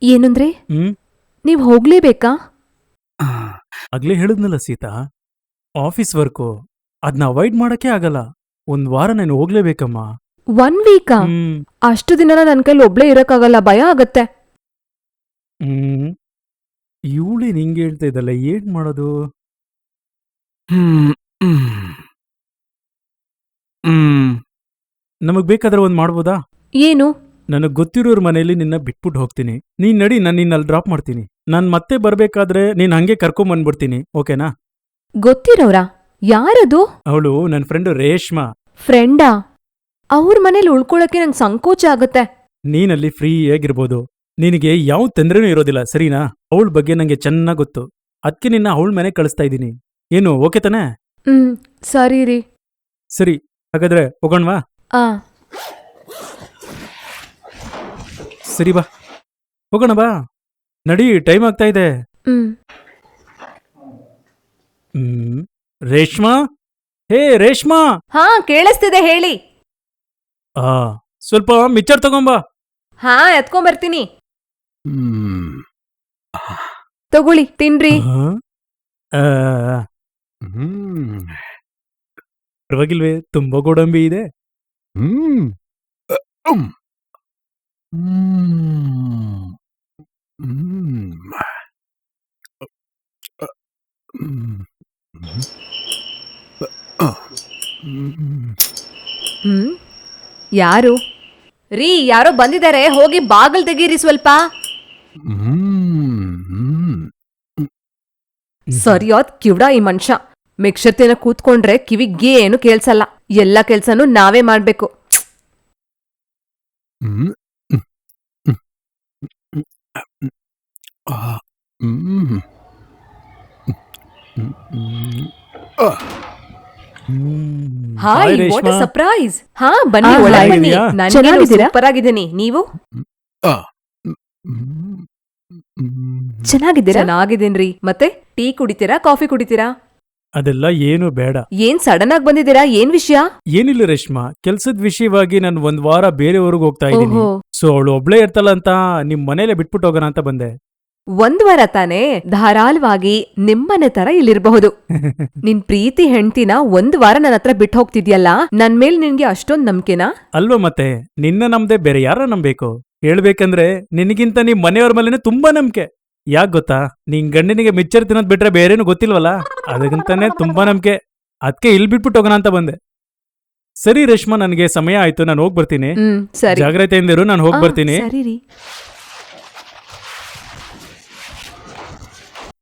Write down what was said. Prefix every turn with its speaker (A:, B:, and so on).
A: ಏನಂದ್ರೆ
B: ಹ್ಮ್
A: ನೀವ್ ಹೋಗ್ಲೇಬೇಕಾ?
B: ಆಗ್ಲೇ ಹೇಳಿದ್ನಲ್ಲ ಸೀತಾ, ಆಫೀಸ್ ವರ್ಕು ಅದನ್ನ ಅವಾಯ್ಡ್ ಮಾಡಕ್ಕೆ ಆಗಲ್ಲ. ಒಂದ್ ವಾರ ನಾನು ಹೋಗ್ಲೇಬೇಕಮ್ಮ.
A: 1 ವೀಕಾ?
B: ಹ್ಮ್
A: ಅಷ್ಟು ದಿನ ನನ್ ಕೈಲಿ ಒಬ್ಳೇ ಇರಕ್ಕಾಗಲ್ಲ, ಭಯ ಆಗತ್ತೆ.
B: ಹ್ಮ್ ಇವಳಿ ನಿಂಗೆ ಹೇಳ್ತಾ ಇದ್ದಲ್ಲ, ಏನ್ ಮಾಡೋದು? ನಮಗ್ ಬೇಕಾದ್ರೆ ಒಂದ್ ಮಾಡ್ಬೋದಾ?
A: ಏನು?
B: ನನಗ್ ಗೊತ್ತಿರೋರ್ ಮನೇಲಿ ನಿನ್ನ ಬಿಟ್ಬಿಟ್ಟು ಹೋಗ್ತೀನಿ. ನೀನ್ ನಡಿ, ನಾನು ನಿನ್ನ ಅಲ್ಲಿ ಡ್ರಾಪ್ ಮಾಡ್ತೀನಿ. ನಾನ್ ಮತ್ತೆ ಬರ್ಬೇಕಾದ್ರೆ ನೀನ್ ಹಂಗೆ ಕರ್ಕೊಂಬಂದ್ಬಿಡ್ತೀನಿ, ಓಕೆನಾ?
A: ಗೊತ್ತಿರೋರಾ? ಯಾರದು?
B: ಅವಳು ನನ್ನ ಫ್ರೆಂಡ್ ರೇಷ್ಮಾ.
A: ಫ್ರೆಂಡಾ? ಅವ್ರ ಮನೇಲಿ ಉಳ್ಕೊಳಕ್ಕೆ ನಂಗೆ ಸಂಕೋಚ ಆಗತ್ತೆ.
B: ನೀನಲ್ಲಿ ಫ್ರೀ ಆಗಿರ್ಬೋದು, ನಿನಗೆ ಯಾವ ತೊಂದ್ರೆನೂ ಇರೋದಿಲ್ಲ, ಸರಿನಾ? ಅವಳ ಬಗ್ಗೆ ನಂಗೆ ಚೆನ್ನಾಗ್ ಗೊತ್ತು. ಅದಕ್ಕೆ ನಿನ್ನ ಅವಳ ಮನೆ ಕಳಿಸ್ತಾ ಇದ್ದೀನಿ. ಏನು ಓಕೆ ತಾನೆ?
A: ಸರಿ ರೀ.
B: ಸರಿ, ಹಾಗಾದ್ರೆ ಹೋಗೋಣವಾ?
A: ಆ
B: ಸರಿ ಬಾ, ಹೋಗೋಣ ಬಾ. ನಡಿ, ಟೈಮ್ ಆಗ್ತಾ ಇದೆ. ರೇಷ್ಮಾ, ಹೇ ರೇಷ್ಮಾ.
A: ಹಾ, ಕೇಳಿಸ್ತಿದೆ, ಹೇಳಿ.
B: ಸ್ವಲ್ಪ ಮಿಚ್ಚರ್ ತಗೊಂಬಾ.
A: ಹಾ, ಎತ್ಕೊಂಬರ್ತೀನಿ. ತಗೊಳ್ಳಿ, ತಿನ್ರಿ.
B: ಪರವಾಗಿಲ್ವೇ, ತುಂಬಾ ಗೋಡಂಬಿ ಇದೆ.
A: ಯಾರು? ರೀ, ಯಾರೋ ಬಂದಿದ್ದಾರೆ, ಹೋಗಿ ಬಾಗಲ್ ತೆಗೀರಿ ಸ್ವಲ್ಪ. ಸರಿಯಾದ ಕಿವ್ಡ ಈ ಮನುಷ್ಯ. ಮೆಕ್ಷತೆನ ಕೂತ್ಕೊಂಡ್ರೆ ಕಿವಿಗೆ ಏನು ಕೇಳ್ಸಲ್ಲ. ಎಲ್ಲ ಕೆಲ್ಸನೂ ನಾವೇ ಮಾಡ್ಬೇಕು. Hi, what a surprise. ಹಾ, ಬನ್ನಿ, ಒಳಗೆ ಬನ್ನಿ. ನಾನು ಸೂಪರ್ ಆಗಿದ್ದೀನಿ, ನೀವು? ಚೆನ್ನಾಗಿದ್ದೀನ್ರಿ. ಮತ್ತೆ ಟೀ ಕುಡಿತೀರಾ, ಕಾಫಿ ಕುಡಿತೀರಾ?
B: ಅದೆಲ್ಲ ಏನು ಬೇಡ.
A: ಏನ್ ಸಡನ್ ಆಗಿ ಬಂದಿದ್ದೀರಾ, ಏನ್ ವಿಷಯ?
B: ಏನಿಲ್ಲ ರೇಷ್ಮಾ, ಕೆಲ್ಸದ ವಿಷಯವಾಗಿ ನಾನು ಒಂದ್ ವಾರ ಬೇರೆ ಊರಿಗೆ ಹೋಗ್ತಾ ಇದ್ದೀನಿ. ಸೊ ಅವಳು ಒಬ್ಳೇ ಇರ್ತಲ್ಲ ಅಂತ ನಿಮ್ ಮನೇಲೆ ಬಿಟ್ಬಿಟ್ಟು ಹೋಗೋಣ ಅಂತ ಬಂದೆ.
A: 1 ವಾರ ತಾನೇ, ಧಾರಾಳವಾಗಿ ನಿಮ್ಮನೆ ತರ ಇಲ್ಲಿರಬಹುದು. ನಿನ್ ಪ್ರೀತಿ ಹೆಂಡ್ತಿನ 1 ವಾರ ನನ್ನ ಹತ್ರ ಬಿಟ್ಟು ಹೋಗ್ತಿದ್ಯಲ್ಲ, ನನ್ ಮೇಲ್ ನಿನ್ಗೆ ಅಷ್ಟೊಂದ್ ನಂಬಿಕೆನಾ?
B: ಅಲ್ವಾ ಮತ್ತೆ, ನಿನ್ನ ನಮ್ದೆ ಬೇರೆ ಯಾರ ನಂಬೇಕು? ಹೇಳ್ಬೇಕಂದ್ರೆ ನಿನಗಿಂತ ನಿಮ್ ಮನೆಯವ್ರ ಮೇಲೆನೆ ತುಂಬಾ ನಂಬಿಕೆ. ಯಾಕ್ ಗೊತ್ತಾ, ನಿನ್ ಗಂಡನಿಗೆ ಮಿಚ್ಚರ್ ತಿನ್ನೋದ್ ಬಿಟ್ರೆ ಬೇರೇನು ಗೊತ್ತಿಲ್ವಲ್ಲ, ಅದಕ್ಕಂತಾನೆ ತುಂಬಾ ನಂಬಿಕೆ. ಅದಕ್ಕೆ ಇಲ್ಲಿ ಬಿಟ್ಬಿಟ್ಟು ಹೋಗೋಣ ಅಂತ ಬಂದೆ. ಸರಿ ರೇಷ್ಮಾ, ನನಗೆ ಸಮಯ ಆಯ್ತು, ನಾನು ಹೋಗ್ಬರ್ತೀನಿ.
A: ಸರಿ,
B: ಜಾಗ್ರತೆಯಿಂದಿರು, ನಾನು ಹೋಗ್ಬರ್ತೀನಿ.
A: ಸರಿ ರೀ.